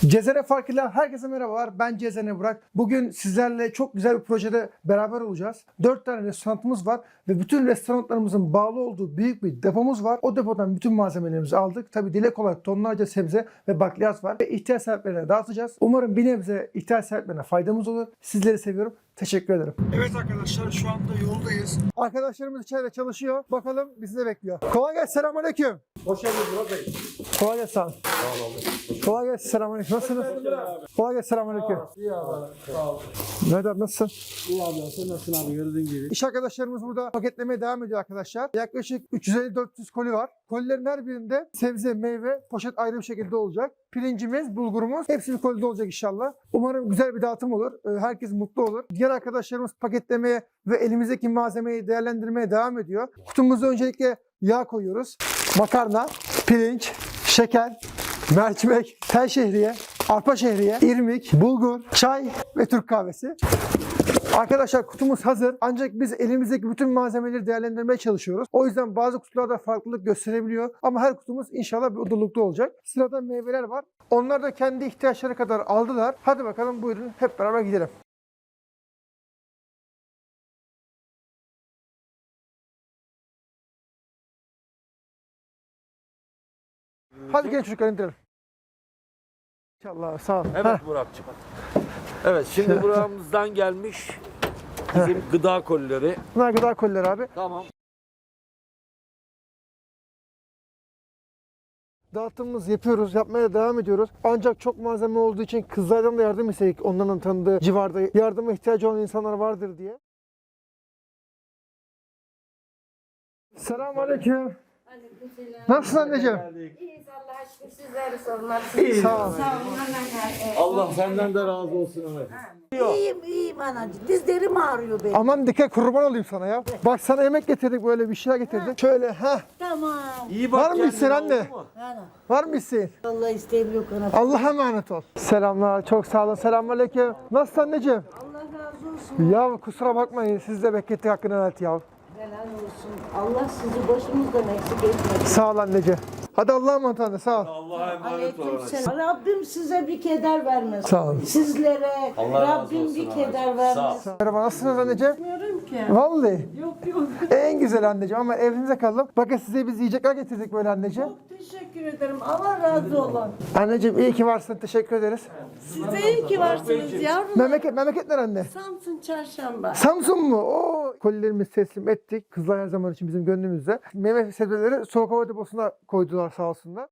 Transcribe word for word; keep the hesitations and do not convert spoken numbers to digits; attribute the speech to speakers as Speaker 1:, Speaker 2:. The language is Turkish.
Speaker 1: Cezene Farkıyla herkese merhabalar. Ben Cezene Burak. Bugün sizlerle çok güzel bir projede beraber olacağız. dört tane restoranımız var ve bütün restoranlarımızın bağlı olduğu büyük bir depomuz var. O depodan bütün malzemelerimizi aldık. Tabii dile kolay tonlarca sebze ve bakliyat var ve ihtiyaç sahiplerine dağıtacağız. Umarım bir nebze ihtiyaç sahiplerine faydamız olur. Sizleri seviyorum. Teşekkür ederim. Evet arkadaşlar, şu anda yoldayız. Arkadaşlarımız içeride çalışıyor. Bakalım bizi de bekliyor. Kolay gelsin. Selamünaleyküm.
Speaker 2: Hoş geldiniz Murat Bey.
Speaker 1: Kolay gelsin.
Speaker 2: Sağ olun.
Speaker 1: Kolay gelsin. Selamünaleyküm. Nasılsınız? Kolay gelsin. Selamünaleyküm.
Speaker 2: İyi abi. Sağ ol.
Speaker 1: Mehmet abi nasılsın?
Speaker 2: İyi abi. Sen nasılsın abi? Gördüğün gibi.
Speaker 1: İş arkadaşlarımız burada paketlemeye devam ediyor arkadaşlar. Yaklaşık üç yüz elli dört yüz koli var. Kolilerin her birinde sebze, meyve, poşet ayrı bir şekilde olacak. Pirincimiz, bulgurumuz hepsi bir kolide olacak inşallah. Umarım güzel bir dağıtım olur. Herkes mutlu olur. Diğer arkadaşlarımız paketlemeye ve elimizdeki malzemeyi değerlendirmeye devam ediyor. Kutumuza öncelikle yağ koyuyoruz. Makarna, pirinç, şeker, mercimek, tel şehriye, arpa şehriye, irmik, bulgur, çay ve Türk kahvesi. Arkadaşlar kutumuz hazır. Ancak biz elimizdeki bütün malzemeleri değerlendirmeye çalışıyoruz. O yüzden bazı kutularda farklılık gösterebiliyor. Ama her kutumuz inşallah bir odunlukta olacak. Sırada meyveler var. Onlar da kendi ihtiyaçları kadar aldılar. Hadi bakalım buyurun hep beraber gidelim. Hadi gelin çocuklar indirelim. İnşallah sağ ol.
Speaker 3: Evet
Speaker 1: Heh.
Speaker 3: Muratçım. Evet şimdi buramızdan gelmiş bizim gıda kolileri.
Speaker 1: Bunlar gıda kolileri abi.
Speaker 3: Tamam.
Speaker 1: Dağıtımımızı yapıyoruz, yapmaya devam ediyoruz. Ancak çok malzeme olduğu için kızlardan da yardım istedik. Onların tanıdığı civarda yardıma ihtiyacı olan insanlar vardır diye. Selamünaleyküm.
Speaker 4: Aleykümselam.
Speaker 1: Nasılsın anneciğim?
Speaker 4: İyiyiz Allah'a şükür, sizleri sormak.
Speaker 1: Sağ ol.
Speaker 4: Sağ olun.
Speaker 3: Allah senden de razı olsun Ahmet.
Speaker 4: İyiyim iyiyim anacığım. Dizlerim ağrıyor benim.
Speaker 1: Aman dikkat, kurban olayım sana ya. Bak sana yemek getirdik, böyle bir şeyler getirdik. Şöyle ha.
Speaker 4: Tamam.
Speaker 3: İyi bak
Speaker 1: Var mı
Speaker 3: kendine,
Speaker 1: isteğin anne?
Speaker 3: oldu mu?
Speaker 4: Ana.
Speaker 1: Var mı isteğin?
Speaker 4: Allah isteğim yok ana.
Speaker 1: Allah'a emanet ol. Selamlar, çok sağ olun. Selamünaleyküm. Nasılsın anneciğim?
Speaker 4: Allah razı olsun.
Speaker 1: Ya kusura bakmayın, siz de beklettik, hakkını helal et ya.
Speaker 4: Helal olsun. Allah sizi başımızdan eksik etmesin.
Speaker 1: Sağ ol anneciğim. Hadi Allah'a emanet anne, sağ ol.
Speaker 3: Allah'a emanet ol.
Speaker 4: Aleykümselam. Rabbim size bir keder vermesin.
Speaker 1: Sağ olun.
Speaker 4: Sizlere
Speaker 3: Allah razı
Speaker 4: Rabbim
Speaker 3: olsun
Speaker 4: bir
Speaker 3: abi.
Speaker 4: keder
Speaker 3: Sağ ol.
Speaker 4: vermesin.
Speaker 1: Merhaba, nasılsınız anneciğim?
Speaker 4: Bilmiyorum ki.
Speaker 1: Vallahi.
Speaker 4: Yok yok.
Speaker 1: En güzel anneciğim, ama evinize kalalım. Bakın size biz yiyecekler getirdik böyle anneciğim.
Speaker 4: Çok teşekkür ederim. Allah razı olsun.
Speaker 1: Anneciğim iyi ki varsın, teşekkür ederiz.
Speaker 4: Siz de iyi ki varsınız yavrum.
Speaker 1: Memleket, memleketler anne.
Speaker 4: Samsun Çarşamba.
Speaker 1: Samsun mu? Oo, kolilerimizi teslim ettik. Kızlar her zaman için bizim gönlümüzde. Meyve sebzeleri soğuk hava deposuna koydular sağ olsunlar.